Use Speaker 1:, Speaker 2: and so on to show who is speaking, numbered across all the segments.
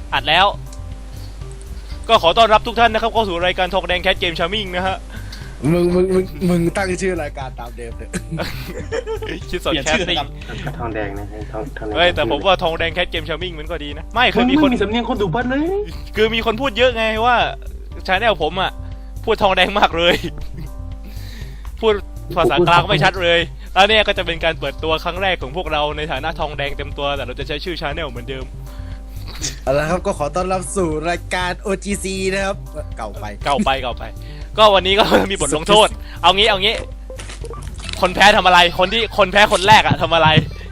Speaker 1: อัดแล้วก็ขอต้อนรับทุกท่านนะครับเข้าสู่รายการทองแดงแคทเกมชาร์มิ่งนะฮะ
Speaker 2: มึงตั้งชื่อรายการตามเดิมเลย
Speaker 1: คิดสดแคทติ้ง
Speaker 3: ทองแดงนะทองแดง
Speaker 1: เฮ้ยแต่ผมว่าทองแดงแคทเกมชาร์มิ่งมันก็ดีนะไม่คือมีคน
Speaker 3: มีสำเนียงคนดูบ้านเลย
Speaker 1: คือมีคนพูดเยอะไงว่าชาแนลผมอ่ะพูดทองแดงมากเลยพูดภาษากลางไม่ชัดเลยแล้วเนี่ยก็จะเป็นการเปิดตัวครั้งแรกของพวกเราในฐานะทองแดงเต็มตัวแต่เราจะใช้ชื่อชาแนลเหมือนเดิม
Speaker 2: เอาละครับก็ขอต้อนรับสู่รายการ OGC นะครับเก่าไป
Speaker 1: ก็วันนี้ก็มีบทลงโทษเอางี้คนแพ้ทำอะไรคนแพ้คนแรกอะทำอะไร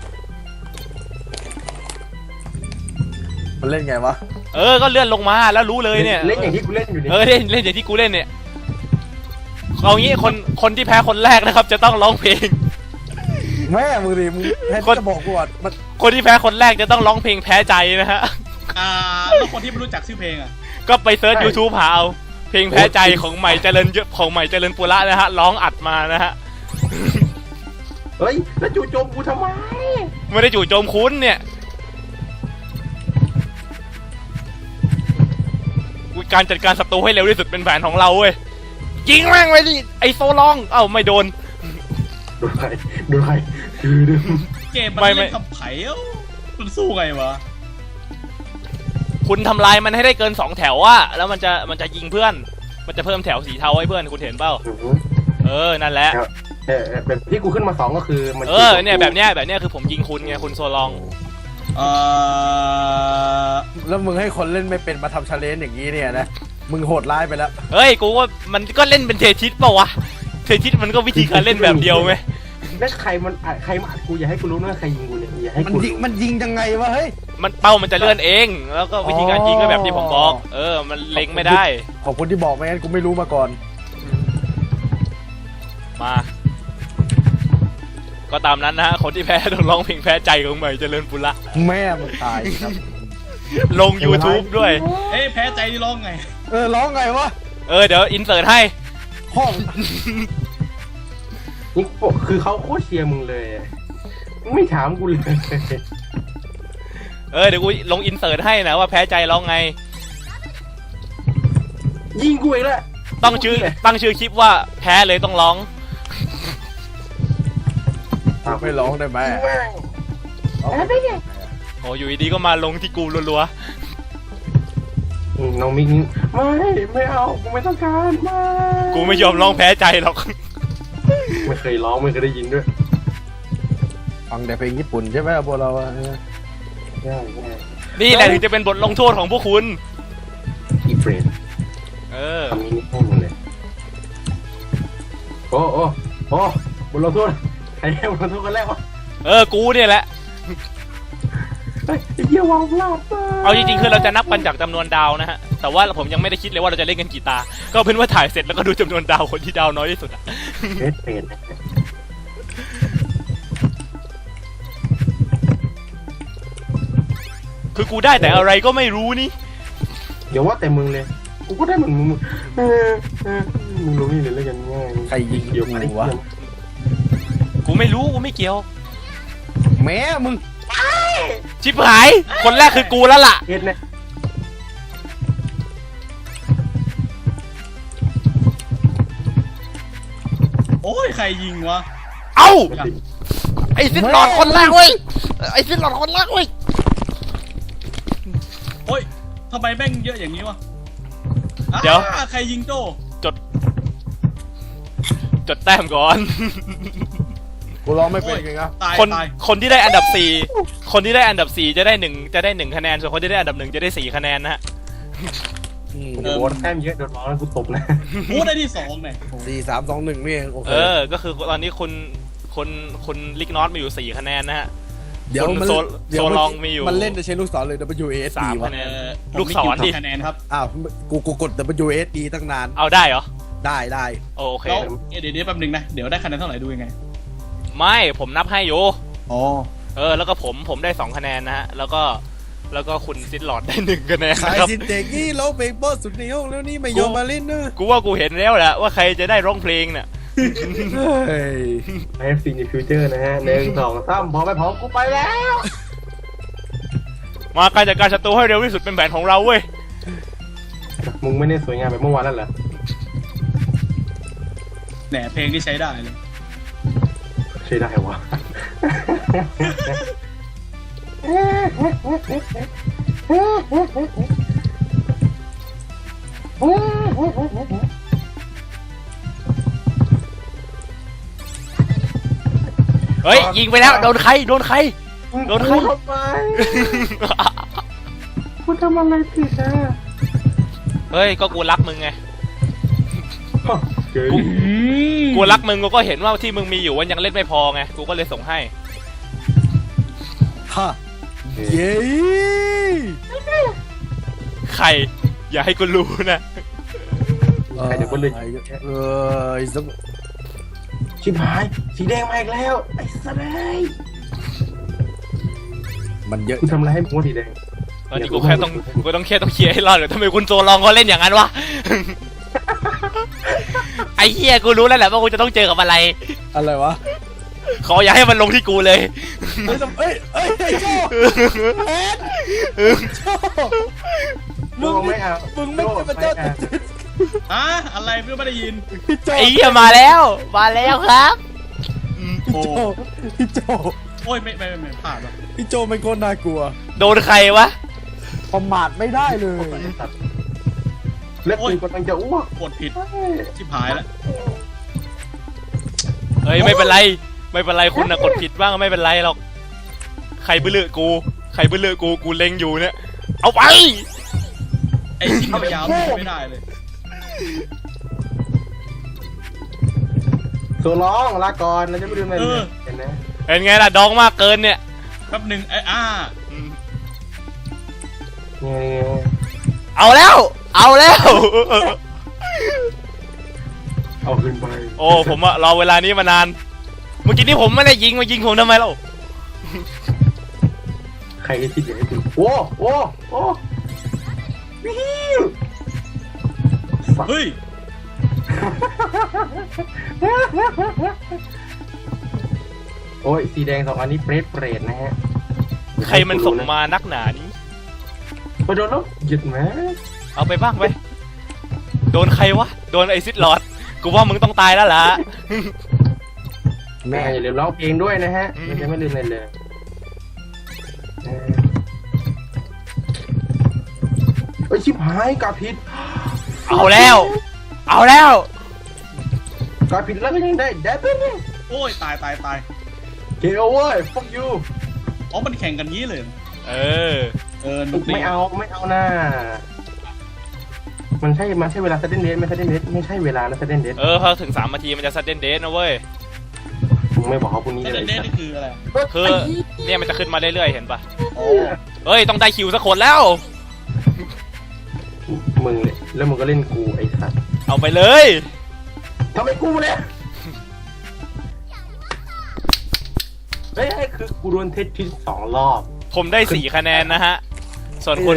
Speaker 2: มันเล่นไงวะ
Speaker 1: ก็เลื่อนลงมาแล้วรู้เลยเนี่ย
Speaker 3: เล่นอย่างที่กูเล่นอยู่นี่
Speaker 1: เล่นอย่างที่กูเล่นเนี่ยเอางี้คนที่แพ้คนแรกนะครับจะต้องร้องเพลง
Speaker 2: แม่มึงดิมึงให้จะบอกกูว่า
Speaker 1: คนที่แพ้คนแรกจะต้องร้องเพลงแพ้ใจนะฮะ
Speaker 4: แล้วคนที่ไม่รู้จักชื่อเพลงอ่ะ
Speaker 1: ก็ไปเซิร์ช YouTube หาเอาเพลงแพ้ใจของใหม่เจริญปุระนะฮะร้องอัดมานะฮะ
Speaker 3: เฮ้ยแล้วจู่โจมกูทำไม
Speaker 1: ไม่ได้จู่โจมคุณเนี่ยการจัดการศัตรูให้เร็วที่สุดเป็นแผนของเราเว้ยยิงแม่งไว้ดิไอโซลองไม่โดน
Speaker 3: ดูใคร
Speaker 4: เกมมันเล่นกับไผ่มันสู้ไงวะ
Speaker 1: คุณทำลายมันให้ได้เกิน2แถวอะแล้วมันจะยิงเพื่อนมันจะเพิ่มแถวสีเทาให้เพื่อนคุณเห็นเปล่านั่นแหละ
Speaker 3: แบบที่กูขึ้นมา2ก็คือมัน
Speaker 1: เนี่ยแบบเนี้ยคือผมยิงคุณไงคุณโซลอง
Speaker 2: แล้วมึงให้คนเล่นไม่เป็นมาทำชาเลนจ์อย่างนี้เนี่ยนะมึงโหดร้ายไปแล้ว
Speaker 1: เฮ้ยกูว่ามันก็เล่นเป็นเททิสเปล่าวะเททิสมันก็วิธีการเล่นแบบเดียวไหม
Speaker 3: แล้วใครมากูอย่าให้กูรู้นะใครยิงกูเนี่ยอย่าให้กู
Speaker 2: มันยิงยังไงวะเฮ้ย
Speaker 1: มันเป้ามันจะเลื่อนเองแล้วก็วิธีการยิงก็แบบที่ผมบอกมันเล็งไม่ได้
Speaker 2: ขอบคุณที่บอกไม่งั้นกูไม่รู้มาก่อน
Speaker 1: มาก็ตามนั้นนะฮะคนที่แพ้ต้องร้องเพลงแพ้ใจของใหม่เจริญปุระ
Speaker 2: แม่มึงตายครับ
Speaker 1: ลง YouTube ด้วย
Speaker 4: แพ้ใจร้องไง
Speaker 2: ร้องไงวะ
Speaker 1: เดี๋ยวอินเสิร์ตให้
Speaker 2: ห้อง
Speaker 3: นี่คือเขาโคตรเชียร์มึงเลยไม่ถามกูเลย
Speaker 1: เดี๋ยวกูลงอินเสิร์ตให้นะว่าแพ้ใจร้องไง
Speaker 3: ยิงกูอีกแล้ว
Speaker 1: ตั้งชื่อคลิปว่าแพ้เลยต้องร้อง
Speaker 2: ไม่ร้องได้ไหม
Speaker 1: อยู่ดีก็มาลงที่กูรัว
Speaker 3: น้องมิกไม่เอากูไม่ต้องการไม่
Speaker 1: กูไม่ยอมร้องแพ้ใจหรอก
Speaker 3: ไม่เคยร้องไม่เคยได้ยินด้วย
Speaker 2: ฟังแต่เพลงญี่ปุ่นใช่ไหมพวกเรา
Speaker 1: นี่แหละถึงจะเป็นบทลงโทษของพวกคุณ
Speaker 3: อีเฟรนทำนี้ให้มึงเลยโอ้บทลงโทษใครให้บทลงโทษกันแรกวะ
Speaker 1: กูเนี่ยแหละ
Speaker 3: เยี่ยวางพลาด
Speaker 1: เอาจริงๆคือเราจะนับกันจากจำนวนดาวนะฮะแต่ว่าผมยังไม่ได้คิดเลยว่าเราจะเล่นกันกี่ตาก็เป็นว่าถ่ายเสร็จแล้วก็ดูจำนวนดาวคนที่ดาวน้อยที่สุด
Speaker 3: เป็น
Speaker 1: คือกูได้แต่อะไรก็ไม่รู้นี่
Speaker 3: เดี๋ยวว่าแต่มึงเลยกูก็ได้เหมือนมึงรู้นี่เลยแล้วกันง่าย
Speaker 2: ใครยิงเดี๋ยววะ
Speaker 1: กูไม่รู้กูไม่เกี่ยว
Speaker 2: แม่มึง
Speaker 1: ชิบหายคนแรกคือกูแล้วล่ะ
Speaker 3: เฮ็ดนะ
Speaker 4: โอ้ยใครยิงวะ
Speaker 1: ไอ้ซิดหลอดคนแรกเว้ย
Speaker 4: โอ้ยทำไมแม่งเยอะอย่างนี้วะ
Speaker 1: เดี๋ยว
Speaker 4: ใครยิงโจ้
Speaker 1: จดแต้มก่อน
Speaker 2: กูร้องไม่เป็นไงครับ
Speaker 1: คนที่ได้อันดับ4จะได้1คะแนนส่วนคนที่ได้อันดับ1จะได้4คะแนนนะฮะ
Speaker 3: โดนแต้มเยอะโดนร้องแล้วกูตบนะ
Speaker 4: กูได้ที่2เนี่ย
Speaker 2: 4 3 2 1นี่เองโอเค
Speaker 1: ก็คือตอนนี้คุณลิกนอตมีอยู่4คะแนนนะฮะ
Speaker 2: เดี๋ยว
Speaker 1: โซลองมีอยู่
Speaker 2: มันเล่นจะใช้ลูกศรเลย WS
Speaker 1: 3คะแนนลูกศรดิ
Speaker 4: คะแนนครับ
Speaker 2: กูกด WS ตั้งนาน
Speaker 1: เอาได้เหรอ
Speaker 2: ได้
Speaker 1: โอเค
Speaker 4: เดี๋ยวแป๊บนึงนะเดี๋ยวได้คะแนนเท่าไหร่ดูยังไง
Speaker 1: ไม่ผมนับให้อยู่
Speaker 2: แล้ว
Speaker 1: ก็ผมได้2คะแนนนะฮะแล้วก็คุณซิดหลอดได้1คะแนน
Speaker 2: ใครซินเด็กนี่ร้องเพลงบอสสุดในห้องแล้วนี่ไม่ยอมมาเล่นนะ
Speaker 1: กูว่ากูเห็นแล้วแหละว่าใครจะได้ร้องเพลงเนี่ย
Speaker 3: FCในฟิวเจอร์นะฮะ1 2 3พร้อมไปพร้อมกูไปแล้ว
Speaker 1: มาการจัดการศัตรูให้เร็วที่สุดเป็นแผนของเราเว้ย
Speaker 3: มึงไม่ได้สวยงามแบบเมื่อวานแล้วเหรอ
Speaker 4: แหนเพลงที่ใช้ได้เลย
Speaker 3: ใช่ได้วะ
Speaker 1: เฮ้ยยิงไปแล้วโดนใครโดนใคร โดนใคร
Speaker 3: ทำไมกูทำอะไรผิดอ่ะ
Speaker 1: เฮ้ยก็กูรักมึงไง
Speaker 3: เจ๋ง
Speaker 1: กูรักมึงกูก็เห็นว่าที่มึงมีอยู่มันยังเล่นไม่พอไงกูก็เลยส่งให้
Speaker 2: ฮะเย้
Speaker 1: ใครอย่าให้กูรู้นะ
Speaker 3: ใครเดี๋ยวก็เลย
Speaker 2: ไอ้สัก
Speaker 3: ชิบหายสีแดงมาอีกแล้วไอ้สัสเลย
Speaker 2: มันเยอะ
Speaker 3: กูทำอะไรให้มึงว่าสีแดง
Speaker 1: ตอนนี้กูแค่ต้องเคลียร์ให้รอดเลยทำไมคุณโซลองเขาเล่นอย่างนั้นวะ ไอ้เหี้ยกูรู้แล้วแหละว่ากูจะต้องเจอกับอะไร
Speaker 2: อะไรวะ
Speaker 1: ขออย่าให้มันลงที่กูเลย
Speaker 2: เอ้ยไอ้โจ้แอนโจ้
Speaker 3: มึงไม่เอา
Speaker 2: มึงไม่ใช่พระเจ้าแต่
Speaker 4: อ่ะอะไรเพื่อนไม่ได้ยิน
Speaker 2: พี่โจ้
Speaker 1: ไอ้เหี้ยมาแล้วครับ
Speaker 2: พี่โจ้พี่โจ้
Speaker 4: โอ้ยไม่พลาดว่ะ
Speaker 2: พี่โจ้เป็นคนน่ากลัว
Speaker 1: โดนใครวะ
Speaker 2: ประมาทไม่ได้เลย
Speaker 3: ไอ้สัสแล้วกูกำลังจะอ้วก
Speaker 4: กดผิดชิบหายแล้ว
Speaker 1: เฮ้ยไม่เป็นไรคุณนะกดผิดบ้างไม่เป็นไรหรอกใครบื้อเลือกูเล็งอยู่เนี่ยเอาไป
Speaker 4: ไอ้ชิ้นยาวๆไม่ได้เลย
Speaker 3: โซร้องลาก่อนเราจะไม่ลืมอะไรเลยเห็นไหม
Speaker 1: เป็นไงล่ะดองมากเกินเนี่ย
Speaker 4: แป๊บหนึ่งไอ้
Speaker 3: เนี่ย
Speaker 1: เอาแล้ว
Speaker 3: เอาขึ้นไป
Speaker 1: โอ้ผมอะรอเวลานี้มานาน เมื่อกี้นี่ผมไม่ได้ยิงมายิงผมทำไมเล่า
Speaker 3: ใครจะคิดอย่างนี้ดูโอ้วิว
Speaker 4: เฮ้ย
Speaker 3: โอ้ยสีแดง2 อันนี้เปรตนะฮะ
Speaker 1: ใครมันส่งมานักหนานี้
Speaker 3: ไปโดนแล้วหยุดไหม
Speaker 1: เอาไปบ้างไปโดนใครวะโดนไอซิดลอดกูว่ามึงต้องตายแล้วล่ะ
Speaker 3: แม่อย่าลืมร้องเพลงด้วยนะฮะมันจะไม่ลืมอะไรเลยเอ้ยชิบหายกาผิด
Speaker 1: เอาแล้ว
Speaker 3: กาผิดแล้วก็ยังได้แดดเนี่ย
Speaker 4: โอ้ยตาย
Speaker 3: เกลเว้ย fuck you
Speaker 4: อ๋อมันแข่งกันงี้เลย
Speaker 1: เออ
Speaker 4: นุกดี
Speaker 3: ไม่เอาหน้ามันใช่เวลา sudden death ไม่ใช่ sudden death ไม่ใช่เวลานะ sudden death
Speaker 1: พอถึง3 นาทีมันจะซัดเดนเดสนะเว้ย
Speaker 3: มึงไม่บอกเขาพวกนี้
Speaker 4: แต่
Speaker 3: เลย
Speaker 4: เล่นนี่คืออะไร
Speaker 1: คือเนี่ยมันจะขึ้นมาเรื่อยๆเห็นปะ
Speaker 4: โอ้
Speaker 1: เฮ้ยต้องได้คิวสักคนแล้ว
Speaker 3: มึงเลยแล้วมึงก็เล่นกูไอ้สัตว์
Speaker 1: เอาไปเลย
Speaker 3: ทำไมกูเนี่ยเฮ้ยคือกูโดนเทสที่2 รอบ
Speaker 1: ผมได้4 คะแนนนะฮะส่วน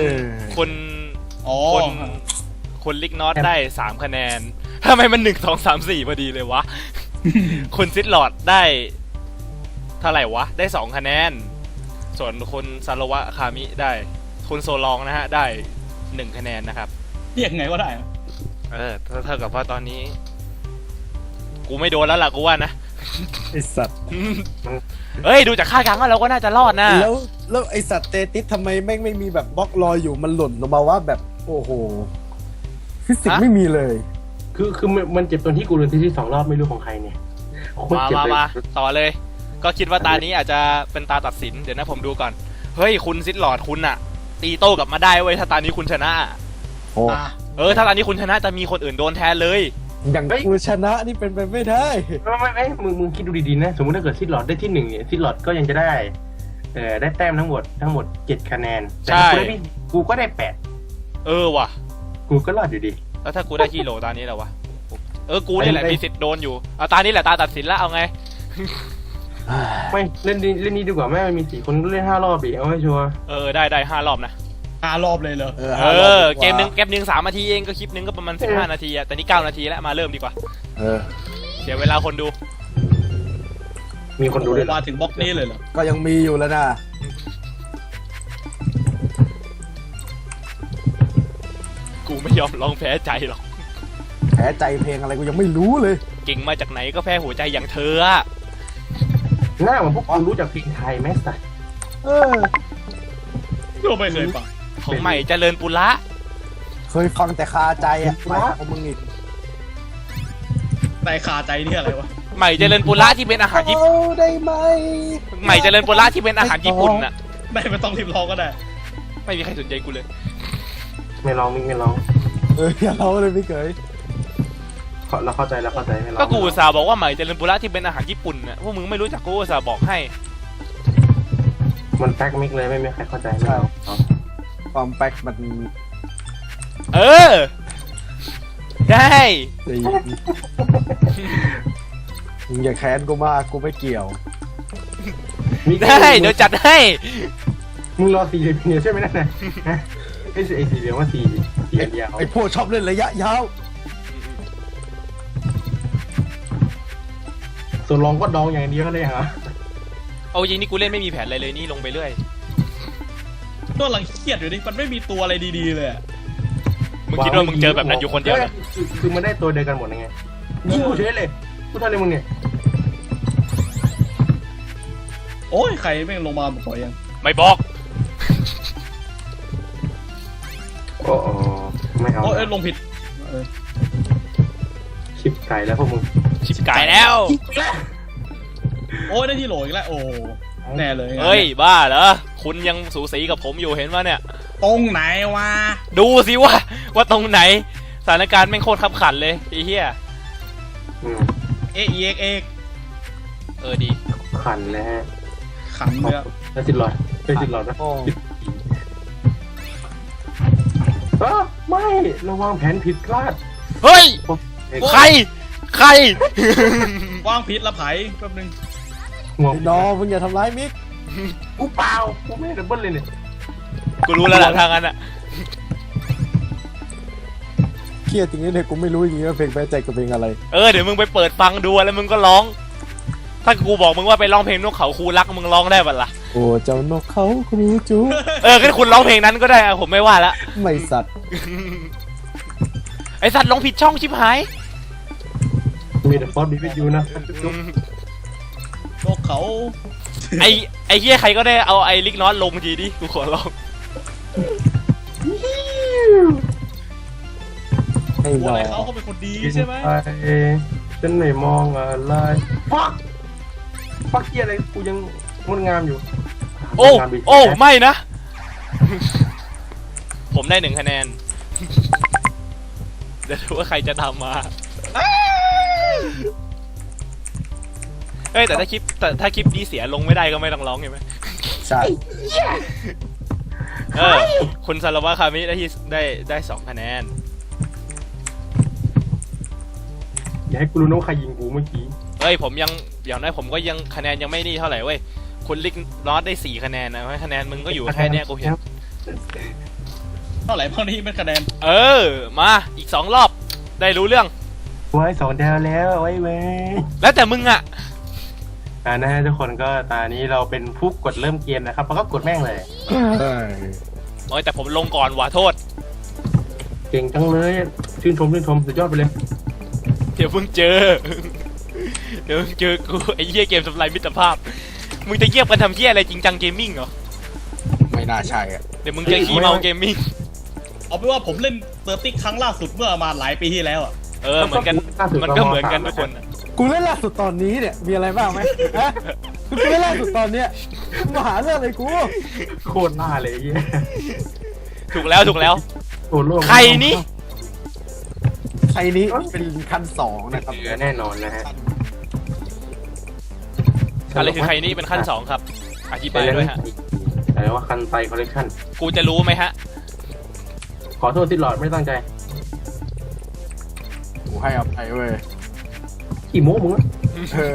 Speaker 1: คุณลิกนอตได้3 คะแนนทำไมมัน1 2 3 4พอดีเลยวะ คุณซิดลอดได้เท่าไหร่วะได้2 คะแนนส่วนคุณซาโลวะคามิได้คุณโซลองนะฮะได้1 คะแนนนะครับ
Speaker 4: เรียกไงก็ได้
Speaker 1: เท่ากับว่าตอนนี้ กูไม่โดนแล้วล่ะกูว่านะ
Speaker 2: ไอสัตว์
Speaker 1: เฮ้ยดูจากค่ากลางแล้วเราก็น่าจะรอดนะ
Speaker 2: แล้วไอสัตว์เตติสทำไมแม่งไม่มีแบบบล็อกรอยอยู่มันหล่นลงมาว่าแบบโอ้โหฟิสิกส์ไม่มีเลย
Speaker 3: คือมันเจ็บตรงที่กูโดนเทสที่2 รอบไม่รู้ของใครเนี่ยโคตรเจ็บเลย
Speaker 1: มาต่อเลย ก็คิดว่าตานี้อาจจะเป็นตาตัดสินเดี๋ยวนะผมดูก่อนเฮ้ยคุณซิดหลอดคุณอะตีโต้กลับมาได้เว้ยถ้าตานี้คุณชนะ
Speaker 2: โอ้
Speaker 1: ถ้าตานี้คุณชนะจะมีคนอื่นโดนแทนเลย
Speaker 2: อย่างกูชนะนี่เป็นไปไม่ได้
Speaker 3: ไม่มึงคิดดูดีๆนะสมมติถ้าเกิดซิดหลอดได้ที่1เนี่ยซิดหลอดก็ยังจะได้ได้แต้มทั้งหมด7 คะแนนแต่กูก็ได้8
Speaker 1: ว่ะ
Speaker 3: กูก็รอดอยู่ดี
Speaker 1: แล้วถ้ากูได้ฮีโร่ตานี้แล้ววะกูนี่แหละมีสิทธิ์โดนอยู่เอาตานี้แหละตาตัดสินแล้วเอาไง
Speaker 3: ไม่เล่นนี้ดีกว่าแม่มันมี4 คนก็เล่น5 รอบอีกเอาให้ชัวร์
Speaker 1: ได้5 รอบนะ
Speaker 4: 5 รอบเลยเหรอ
Speaker 1: เกมหนึ่ง3 นาทีเองก็คลิปนึงก็ประมาณ15 นาทีอะแต่นี่9 นาทีแล้วมาเริ่มดีกว่าเสียเวลาคนดู
Speaker 3: มีคนดูด้วย
Speaker 4: มาถึงบล็อกนี้เลยเหรอ
Speaker 2: ก็ยังมีอยู่แล้วนะ
Speaker 1: กูไม่ยอมลองแพ้ใจหรอก
Speaker 2: แพ้ใจเพลงอะไรกูยังไม่รู้เลย
Speaker 1: เก่งมาจากไหนก็แพ้หัวใจอย่างเธออะ
Speaker 3: หน้าเหมือนพวกคุณรู้จักเพลงไทยไหมสัตว์
Speaker 2: เออ
Speaker 4: ก็ไม่เคยฟัง
Speaker 1: ของใหม่เจริญปุระ
Speaker 2: เคยฟังแต่คาใจอ่ะไม่ของมึงอีก
Speaker 4: แต่คาใจนี่อะไรวะ
Speaker 1: ใหม่เจริญปุระที่เป็นอาหารญี่ปุ่น
Speaker 2: เอาได้ไหม
Speaker 1: ใหม่เจริญปุระที่เป็นอาหารญี่ปุ่นน่ะ
Speaker 4: ไม่ต้องรีบร้องก็ได้
Speaker 1: ไม่มีใครสนใจกูเลย
Speaker 3: ไม่ร้องมิกไม่ร้อง
Speaker 2: อย่าเล่าเลยพี่เกย
Speaker 3: เราเข้าใจไม่ร้อง
Speaker 1: ก็กูอุตส่าห์บอกว่าใหม่เจริญปุระที่เป็นอาหารญี่ปุ่นน่ะพวกมึงไม่รู้จักกูอุตส่าห์บอกให้
Speaker 3: มันแป๊กมิกเลยไม่มีใครเข้าใจไม่ร้อง
Speaker 2: ความแป๊กมัน
Speaker 1: เออ ได้
Speaker 2: ดีมึงอย่าแค้นกูมากกูไม่เกี่ยว
Speaker 1: ได้เดี๋ยวจัดให้
Speaker 3: มึงรอ4 เหรียญใช่ไหมนั่นน่ะไอ้4 เหรียญว่า4 เหรียญยาว
Speaker 2: ไอ้พวกชอบเล่นระยะยาว
Speaker 3: ส่วนรองก็ดองอย่างเดียวก็ได้ฮะ
Speaker 1: เอาจริงนี่กูเล่นไม่มีแผนอะไรเลยนี่ลงไปเรื่อย
Speaker 4: ตัวหลังเครียดอยู่ดิมันไม่มีตัวอะไรดีๆเลยอะ
Speaker 1: มึงคิดว่ามึงเจอแบบนั้นอยู่คนเดียวเหรอ
Speaker 3: คือมันได้ตัวเดียวกันหมดไงยิงกูเฉยเลยกูทำอะไรมึงเนี่ย
Speaker 4: โอ้ยใครแม่งลงมาบอกยัง
Speaker 1: ไม่บอก
Speaker 3: โอ้ไม่เอา
Speaker 4: โอ้ยลงผิดเออ
Speaker 3: ชิบไก่แล้วพวกมึง
Speaker 1: ชิบกายแล้ว
Speaker 4: โอ้ยได้ที่โหลอีกแล้วโอ้แน่เลย
Speaker 1: เฮ้ยบ้าเหรอคุณยังสูสีกับผมอยู่เห็นว่าเนี่ย
Speaker 4: ตรงไหนวะ
Speaker 1: ดูสิว่าตรงไหนสถานการณ์แม่งโคตรขับขันเลยไอ้เหี้ย
Speaker 4: เอ็กเอ็ก
Speaker 1: เออดี
Speaker 3: ขันนะฮะ
Speaker 4: ขันเลยอะ
Speaker 3: ได้10 หลอดได้10 หลอดนะ
Speaker 2: โอ้
Speaker 3: ไม่ระวังแผนผิดพลาด
Speaker 1: เฮ้ยใคร
Speaker 4: วางผิดละไผ่แป๊บนึง
Speaker 3: หัว
Speaker 2: ไอ้น้องมึงอย่าทำร้ายมิก
Speaker 3: กูเปล่ากูไม่ได้ดับเบิ้ลเลยเนี่ย
Speaker 1: กูรู้แล้วแหละทางนั้นอะ
Speaker 2: เครียดจริงๆเนี่ยกูไม่รู้จริงๆว่าเพลงแพ้ใจกับเพลงอะไร
Speaker 1: เออเดี๋ยวมึงไปเปิดฟังดูแล้วมึงก็ร้อง ถ้ากูบอกมึงว่าไปร้องเพลงนกเขาคูรักมึงร้องได้ปะล่ะ
Speaker 2: โอ้เจ้านกเขาครูจู
Speaker 1: เอองั้นคุณร้องเพลงนั้นก็ได้อะผมไม่ว่าละ
Speaker 2: ไม่สัตว์
Speaker 1: ไอสัตว์ร้องผิดช่องชิบหาย
Speaker 3: มีแต่ฟอสบีวิยูนะ
Speaker 4: โลกเขา
Speaker 1: ไอเฮียใครก็ได้เอาไอลิกนอตลงทีดิกูขอร้อง
Speaker 2: ไอ้
Speaker 4: ตัว
Speaker 2: น้อ
Speaker 4: อะไร
Speaker 2: ง
Speaker 4: เขาเป็นคนดีใช่ไหม
Speaker 3: ฉันไม่มองอะไรฟักเกียอะไรกูยังงดงามอยู่
Speaker 1: โอ้ไม่นะ ผมได้1 คะแนน เดี๋ยวดูว่าใครจะทำมาเอ้ยแต่ถ้าคลิปนี้เสียลงไม่ได้ก็ไม่ต้องร้องใช่ไหม
Speaker 2: ใช่
Speaker 1: คุณซาลาวะคามิได้2 คะแนน
Speaker 3: อย่าให้กูรู้นะว่าใครยิงกูเมื่อกี้
Speaker 1: เฮ้ยผมยังอย่างน้อยผมก็ยังคะแนนยังไม่นี่เท่าไหร่เว้ยคุณลิกนอตได้4 คะแนนนะเพราะคะแนนมึงก็อยู่แค่เนี้ยกูเห็น
Speaker 4: เท่าไหร่เท่านี้เป็นคะแนน
Speaker 1: เออมาอีก2 รอบได้รู้เรื่อง
Speaker 3: ไว้2 ดาวแล้วไว้เว้ย
Speaker 1: แล้วแต่มึงอะ
Speaker 3: นะฮะทุกคนก็ตอนนี้เราเป็นผู้กดเริ่มเกมนะครับแล้วก็กดแม่งเลย
Speaker 1: โอ้ยแต่ผมลงก่อนว่ะโทษ
Speaker 3: เก่งจังเลยชื่นชมสุดยอดไปเลย
Speaker 1: เดี๋ยวมึงเจอ เดี๋ยวมึงเจอกูไอ้เหี้ยเกมทำลายมิตรภาพมึงจะเยียบกันทำเหี้ยอะไรจริงจังเกมมิ่งเหรอ
Speaker 2: ไม่น่าใช่อ่ะ
Speaker 1: เดี๋ยวมึงจะขี้เมาเกมมิ่ง
Speaker 4: เอาเป็นว่าผมเล่นเซอร์ติกครั้งล่าสุดเมื่อประมาณหลายปีที่แล้วอะ
Speaker 1: เออเหมือนกันมันก็เหมือนกันทุกคนอะ
Speaker 2: กูเล่นล่าสุดตอนนี้เนี่ยมีอะไรบ้างไหมฮะกูเล่นล่าสุดตอนเนี้ยมึงมาหาเรื่องอะไรกู
Speaker 3: โคตรหน้าเลยไอ้เหี้ย
Speaker 1: ถูกแล้ว
Speaker 3: โคตรโลก
Speaker 1: ใครนี่
Speaker 2: ใครนี้เป็นขั้น2นะครับ
Speaker 3: เหลือแน่นอนนะฮะ
Speaker 1: อะไรคือใครนี่เป็นขั้น2ครับอธิบายด้วยฮะ
Speaker 3: อะไรว่าคันไตคอลเลคชั่น
Speaker 1: กูจะรู้ไหมฮะ
Speaker 3: ขอโทษที่หลอดไม่ตั้งใจ
Speaker 2: กูให้อภัยเว้ย
Speaker 3: กี่โม้มึงอะ
Speaker 2: เออ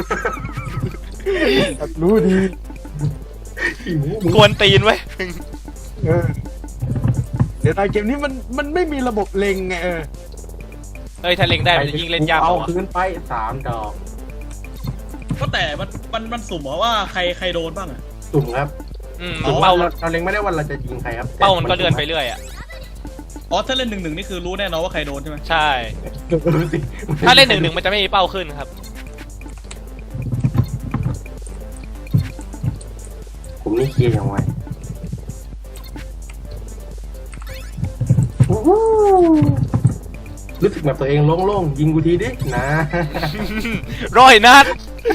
Speaker 2: รู้ดี
Speaker 3: กี่โม้มึง
Speaker 1: กวนตีนไว้ย
Speaker 2: เออเดี๋ยวในเกมนี้มันไม่มีระบบเล็งไงเออ
Speaker 1: เฮ้ยถ้าเล็งได้มันจะยิ่งเล่นยาก
Speaker 3: เอา
Speaker 1: กว่า
Speaker 3: คืนไป3 ดอก
Speaker 4: ก็แต่มันสุ่มเหรอว่าใครโดนบ้างอะ
Speaker 3: สุ่มครับ
Speaker 1: อืม
Speaker 3: สุ่ม
Speaker 1: เป้า
Speaker 3: เราเล็งไม่ได้ว่าเราจะยิงใครครับ
Speaker 1: เป้ามันก็เลื่อนไปเรื่อยอะ
Speaker 4: อ๋อถ้าเล่น1-1นี่คือรู้แน่นอนว่าใครโดนใช่ไหม
Speaker 1: ใช่
Speaker 3: รู้สิ
Speaker 1: ถ้าเล่น1-1มันจะไม่มีเป้าขึ้นครับ
Speaker 3: ผมนี่เคลียร์อย่างไวรู้สึกแบบตัวเองโล่งๆยิงกูทีดินะ
Speaker 1: ร้อยนัด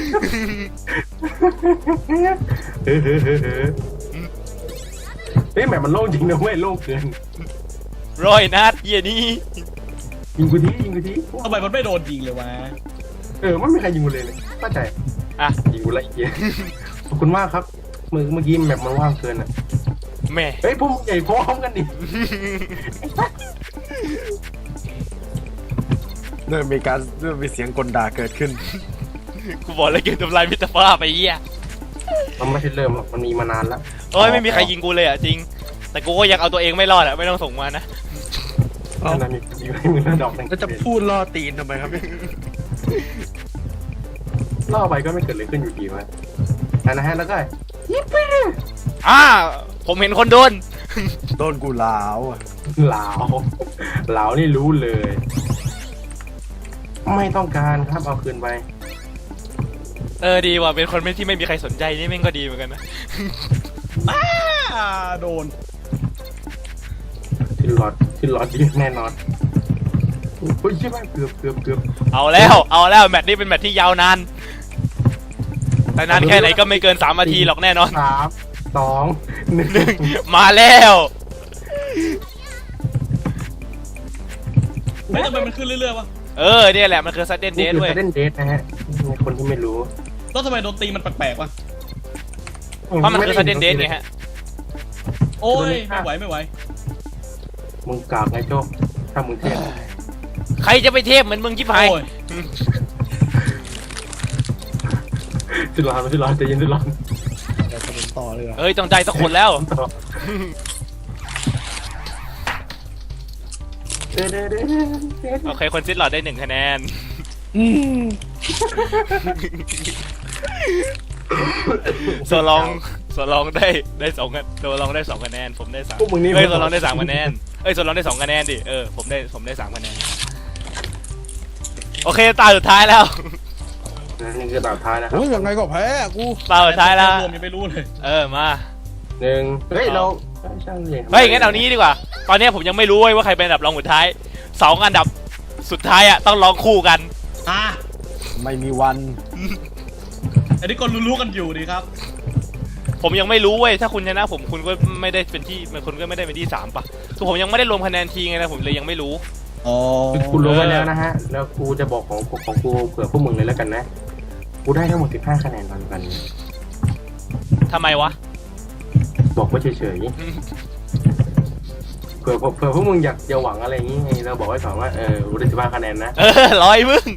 Speaker 3: เฮ้ยแบบมันโล่งจริงนะเว้ยโล่งเกิน
Speaker 1: ร้อยนัดเหี้ยนี่
Speaker 3: ยิงกูทียิงกูที
Speaker 4: ทำไมมันไม่โดนยิงเลยวะ
Speaker 3: ไม่มีใครยิงกูเลยเข้าใจ
Speaker 1: อ่ะ
Speaker 3: ยิงกูละเอียดขอบคุณมากครับเมื่อกี้แบบมันว่างเกินอ่ะ
Speaker 1: แม่
Speaker 3: เฮ้ยพวกมึงใหญ่พร้อมกันดิ
Speaker 2: เริ่มมีเสียงกลด่าเกิดขึ้น
Speaker 1: กูบอกเลยเกมทำลายมิตรภาพไปเหี้ย
Speaker 3: มันไม่ใช่เริ่มหรอกมันมีมานานแล้ว
Speaker 1: เอ้ยไม่มีใครยิงกูเลยอ่ะจริง แต่กูก็ยังเอาตัวเองไม่รอดอ่ะไม่ต้องส่งมานะ
Speaker 3: ขนาดมีอยู่ให้มึงระดอกหนึ่ง
Speaker 2: แล้วจะพูดล่อตีนทำไมครับเนี่ย
Speaker 3: ล่อไปก็ไม่เกิดอะไรขึ้นอยู่ดีวะนะฮะแล้วก็
Speaker 1: ผมเห็นคนโดน
Speaker 2: โดนกูลาวอะ
Speaker 3: เหลาเหลานี่รู้เลย ไม่ต้องการครับเอาคืนไป
Speaker 1: ดีว่ะเป็นคนที่ไม่มีใครสนใจนี่แม่งก็ดีเหมือนกันนะ
Speaker 4: โดน
Speaker 3: ที่หลอดดีแน่นอนโอ้ยใช่ไหมเกือบ
Speaker 1: เอาแล้วแมตช์นี้เป็นแมตช์ที่ยาวนาน แต่นานแค่ไหนก็ไม่เกิน3 นาทีหรอกแน่นอน
Speaker 3: 3 2 1
Speaker 1: มาแล้ว
Speaker 4: ไม่ทำไมมันขึ้นเรื่อยๆวะ
Speaker 1: เนี่ยแหละมันคือซัดเดนเด
Speaker 3: นี่
Speaker 1: ท
Speaker 3: คือ
Speaker 1: เว้ย
Speaker 3: เล่นเดทนะฮะคนที่ไม่รู้
Speaker 4: แล้วทำไมโดนตีมันแปลกๆวะ
Speaker 1: เพราะมันคือซัดเดนเดทไงฮะ
Speaker 4: โอ้ยไม่ไหว
Speaker 3: มึงกากไงโจ้ถ้ามึงเทพ
Speaker 1: ใครจะไปเทพเหมือนมึงชิบหาย
Speaker 4: โอ้ย
Speaker 3: สิร้อนใจเย็นสิร้อน
Speaker 2: เดี๋ยวจะเป็นต่อเลยเหรอ
Speaker 1: ต้องได้สักคนแล้ว โอเคคนซิดหลอดได้1 คะแนน
Speaker 2: อืม
Speaker 1: โซลองได้2คะโซลองได้2 คะแนนผมได้3
Speaker 3: พวกมึงนี่
Speaker 1: โซลองได้3 คะแนนโซลองได้2 คะแนนดิผมได้3 คะแนนโอเคตาสุดท้ายแล้ว
Speaker 3: นี่คือตาท้ายนะครับ
Speaker 2: โอ้ยยังไงก็แพ้กู
Speaker 1: ตาสุดท้ายแล้ว
Speaker 4: รวมยังไม่รู้เลย
Speaker 1: มา
Speaker 3: 1เฮ้ยเราช่างเลย
Speaker 1: เฮ้ยงั้นเอานี้ดีกว่า ตอนนี้ผมยังไม่รู้เว้ยว่าใครเป็นอันดับรองสุดท้าย2 อันดับสุดท้ายอ่ะต้องร้องคู่กัน
Speaker 2: ไม่มีวัน
Speaker 4: อันนี้ก็รู้ๆกันอยู่ดีครับ
Speaker 1: ผมยังไม่รู้เว้ยถ้าคุณชนะผมคุณก็ไม่ได้เป็นที่คุณก็ไม่ได้เป็นที่3ป่ะคือผมยังไม่ได้รวมคะแนนทีไงนะผมเลยยังไม่รู้
Speaker 4: อ๋อ
Speaker 3: กูรู้ไปแล้วนะฮะแล้วกูจะบอกของกูเผื่อพวกมึงเลยแล้วกันนะกูได้ทั้งหมด15 คะแนนตอนกัน
Speaker 1: ทำไมวะ
Speaker 3: บอกว่าเฉยๆเผื่อพวกมึงอยากจะหวังอะไรอย่างงี้ไงเราบอกไว้ก่อนว่ากูได้15 คะแนนนะ
Speaker 1: ร้อยมึง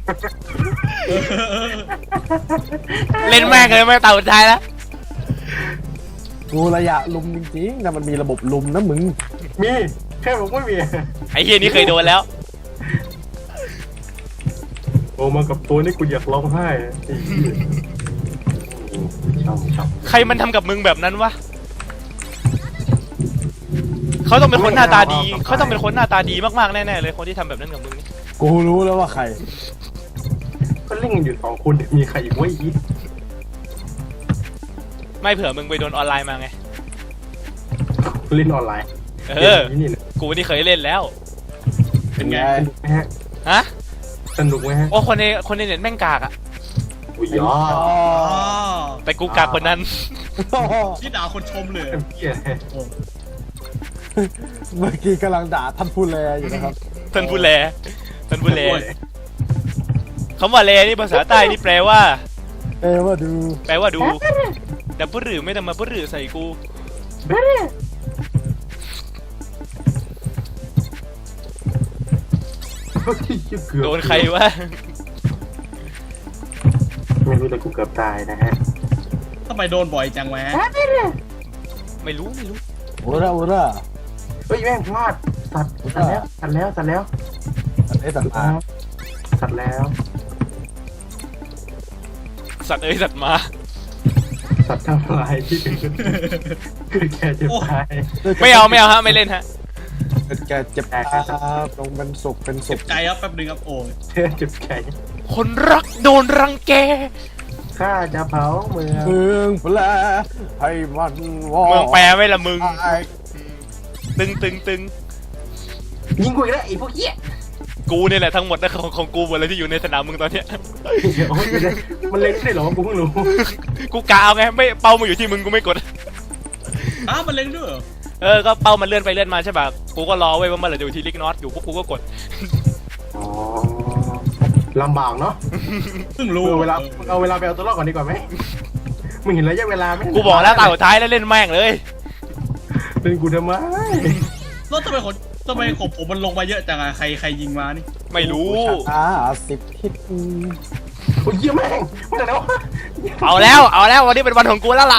Speaker 1: เล่นแม่งเลยไม่ตาสุดท้ายแล้ว
Speaker 2: กูระยะลุมจริงๆนะมันมีระบบลุมนะมึง
Speaker 3: มีแค่ผมไม่มี
Speaker 1: ไอ้เฮียนี่เคยโดนแล้ว
Speaker 3: โอ้มากับตัวนี่กูอยากร้องไห้ไอ้เหี้ยชอบ
Speaker 1: ใครมันทำกับมึงแบบนั้นวะเขาต้องเป็นคนหน้าตาดีเขาต้องเป็นคนหน้าตาดีมากๆแน่ๆเลยคนที่ทำแบบนั้นกับมึงนี่
Speaker 2: กูรู้แล้วว่าใคร
Speaker 3: ก็เล่นกันอยู่2 คนมีใครอีกวะอีก
Speaker 1: ไม่เผื่อมึงไปโดนออนไลน์มาไง
Speaker 3: เล่นออนไลน์ นี่นะ
Speaker 1: กูนี่เคยเล่นแล้ว
Speaker 4: เป็นไง
Speaker 3: สนุกไหมฮะ
Speaker 1: ฮะ
Speaker 3: สนุกไหมฮะ
Speaker 1: โอ้คนในเน็ตแม่งกากอะ
Speaker 3: อุ้ยยอ
Speaker 4: อ๋อ
Speaker 1: แต่กูกากคนนั้น
Speaker 4: ที่ด่าคนชมเลย
Speaker 3: เต็มที่เลย
Speaker 2: เมื่อกี้กำลังด่าท่านผู้แลอยู่นะครับ
Speaker 1: ท่านผู้แลคำว่าแลนี่ภาษาใต้นี่แปลว่า
Speaker 2: ว่าดู
Speaker 1: แปลว่าดูแต่ผู้หรือไม่ต้องมาผู้หรือใส่กู โดนใครวะ
Speaker 3: ไม่รู้แต่กูเกือบตายนะฮะ
Speaker 4: ทำไมโดนบ่อยจังวะ
Speaker 1: ไม่รู้
Speaker 2: โอ้ระ
Speaker 3: เฮ้ยแม่งพลาดสัตว์แล้ว
Speaker 2: อันนี้สัตว์มา
Speaker 3: สัตว์แล้ว
Speaker 1: สัตว์สัตว์มา
Speaker 3: สัตว์ทั้งหลายที่เป็นคือแกจะตาย
Speaker 1: ไม่เอาฮะไม่เล่นฮะ
Speaker 2: เป็นแกเจ็บตาตรงเป็นสุขเป็นสุ
Speaker 4: เจ็
Speaker 2: ข
Speaker 4: บใจครับแป๊บนึงครับโอ้ย
Speaker 3: เจ็บใจ
Speaker 1: คนรักโดนรังแก
Speaker 3: ข้าจะเผาเมือง
Speaker 2: เมืองแปลให้มันวอ
Speaker 1: เมืองแปรไหม่ละมึง
Speaker 2: ไอ้
Speaker 1: ตึง
Speaker 3: ยิงกูอีกแล้วไอ้พวกเหี้ย
Speaker 1: กูเนี่ยแหละทั้งหมดนะของกูหมดเลยที่อยู่ในสนามมึงตอนเนี้ย
Speaker 3: เดี๋ยวมันเล่นได้เหรอกูเพิ่งรู้
Speaker 1: กูกะเอาไงไม่เป้ามาอยู่ที่มึงกูไม่กด
Speaker 4: อ้าวมันเล็งด้วยเหรอ
Speaker 1: ก็เป้ามันเลื่อนไปเลื่อนมาใช่ป่ะกูก็รอไว้ว่าเมื่อไหร่จะอยู่ที่ลิกนอตอยู่พวกกูก็กด
Speaker 3: อ๋อลำบากเนาะ
Speaker 4: เพิ่งรู้
Speaker 3: เอาเวลาไปเอาตัวรอดก่อนดีกว่าไหมมึงเห็นระยะเวลาไหม
Speaker 1: กูบอกแล้วตาสุดท้ายแล้วเล่นแม่งเลย
Speaker 3: เป็นกูทำไม
Speaker 4: แล้วทำไมของผมมันลงมาเยอะจังอะใครยิงมานี่
Speaker 1: ไม่รู้
Speaker 2: 10 ทิศ
Speaker 3: โอ้ยเยี่ยแม่งมันอะไรวะ
Speaker 1: เอาแล้ววันนี้เป็นวันของกูแล้วล่ะ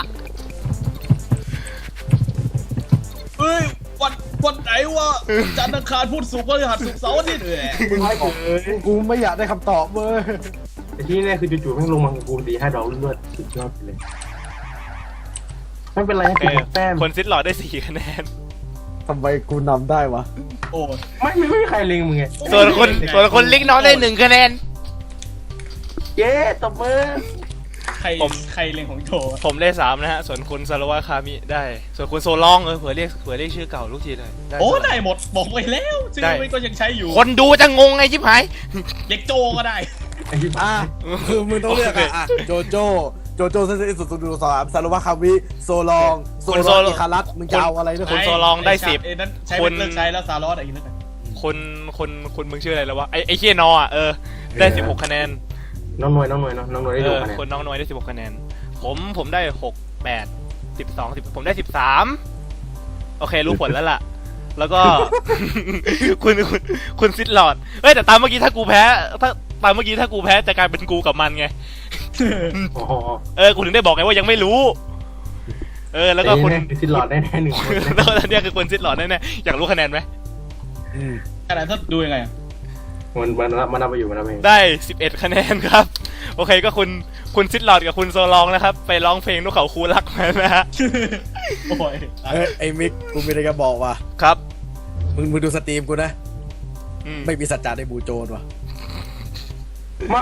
Speaker 4: เฮ้ยวันไหนวะจันทร์อังคารพุธศุกร์พฤหัสศุกร์เสาร์อาทิตย์เลย
Speaker 3: มึงให้กูเลย
Speaker 2: กูไม่อยากได้คำตอบเว้ย
Speaker 3: แต่ที่แน่คือจู่ๆแม่งลงมาของกู4-5 ดอกรวดๆสุดยอดไปเลยไม่เป็นไรนะคือแต้ม
Speaker 1: คนซิดหลอดได้4 คะแนน
Speaker 2: ทำไมกูนำได้วะ
Speaker 4: โอ้ย
Speaker 3: ไม่มีใครเล็งมึงไง
Speaker 1: ส่วนคนลิกนอตได้1 คะแนน
Speaker 3: เย้ตบมือ
Speaker 4: ใคร
Speaker 1: ผม
Speaker 4: เล็งของโจ
Speaker 1: ผมได้3นะฮะส่วนคุณซารุวะคามิได้ ส่วนคุณโซลองเผื่อเรียกชื่อเก่าลูกทีเลย
Speaker 4: โอ้ได้หมดบอกไปแล้วชื่อมันก็ยังใช้อยู่
Speaker 1: คนดูจะงงไงชิบหาย
Speaker 4: เล็กโจก็ได้
Speaker 3: ไอ้ที่
Speaker 2: อ่ะคือมึงต้องเลือกอ่ะโจโจเซนเซสุดสุดสามซารุวะคามิโซลองอิคารัสมึงจะเอาอะไรด้วย
Speaker 1: คุณโซลองได้
Speaker 4: ไอ้นั่นใช้
Speaker 1: ค
Speaker 4: เป็น นเลิกใช้แล้วซาร์ลอสอะไรอีกนั่น
Speaker 1: คนมึงชื่ออะไรแล้ววะไอ้เคียนอได้16 คะแนน
Speaker 3: น้องหน่วยได้ดูคะแนน
Speaker 1: คนน้องน้อยได้16 คะแนนผมได้6 8 12 10ผมได้13โอเครู้ผลแล้วล่ะ แล้วก็ คุณซิดหลอดเฮ้ยแต่ตามเมื่อกี้ถ้ากูแพ้จะกลายเป็นกูกับมันไง
Speaker 3: อ๋อ
Speaker 1: กูถึงได้บอกไงว่ายังไม่รู้ แล้วก็คุณ
Speaker 3: ซิดหลอดได้แน่หนึ่งคน
Speaker 1: แล้วอันเนี้ยคือคนซิดหลอดแน่ๆอยากรู้คะแนนไหม
Speaker 4: ขนาดถ้าดูยังไงอะ
Speaker 3: มันเอาไปอยู่มันเอาไป
Speaker 1: ได้11 คะแนนครับ โอเคก็คุณซิดหลอดกับคุณโซลองนะครับ ไปร้องเพลงนกเขาคูรักมานะฮะ
Speaker 4: โอ้ย
Speaker 2: ไอ้มิกกูมีอะไรจะบอกว่ะ
Speaker 1: ครับ
Speaker 2: มึงดูสตรีมกูนะ
Speaker 1: อืม
Speaker 2: ไม่มีสัจจะในบูโจนว่ะ
Speaker 3: ไม่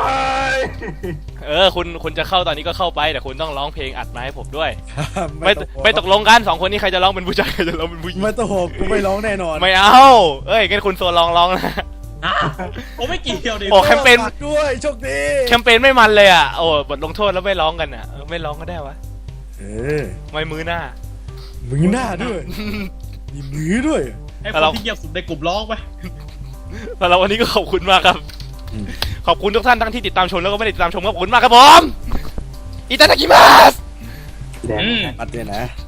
Speaker 1: คุณจะเข้าตอนนี้ก็เข้าไปแต่คุณต้องร้องเพลงอัดมาให้ผมด้วย
Speaker 2: ไม่
Speaker 1: ไม่ตกลงกัน2 คนนี้ใครจะร้องเป็นผู้ชายใครจะร้องเป็นผู้หญิง
Speaker 2: ไม่ต้องโหกกูไม่ร้องแน่นอน
Speaker 1: ไม่เอางั้นคุณโซลองร้องนะ
Speaker 4: ผมไม่เกี่ยวดิ
Speaker 1: โอ้แคมเปญ
Speaker 2: ฝากด้วยโชคดี
Speaker 1: แคมเปญไม่มันเลยอ่ะโอ้บทลงโทษแล้วไม่ร้องกันอ่ะไม่ร้องก็ได้วะ
Speaker 2: เออ
Speaker 1: ไม่มือหน้า
Speaker 2: มือหน้าด้วยมีมือด้วย
Speaker 4: ให้คนที่เงียบสุดในกลุ่มร้องไป
Speaker 1: สำหรับวันนี้ก็ขอบคุณมากครับ
Speaker 2: อืม
Speaker 1: ขอบคุณทุกท่านทั้งที่ติดตามชมแล้วก็ไม่ได้ติดตามชมขอบคุณมากครับผมอิตาดากิมัส
Speaker 3: แดง
Speaker 2: ปัดเนี่ยนะ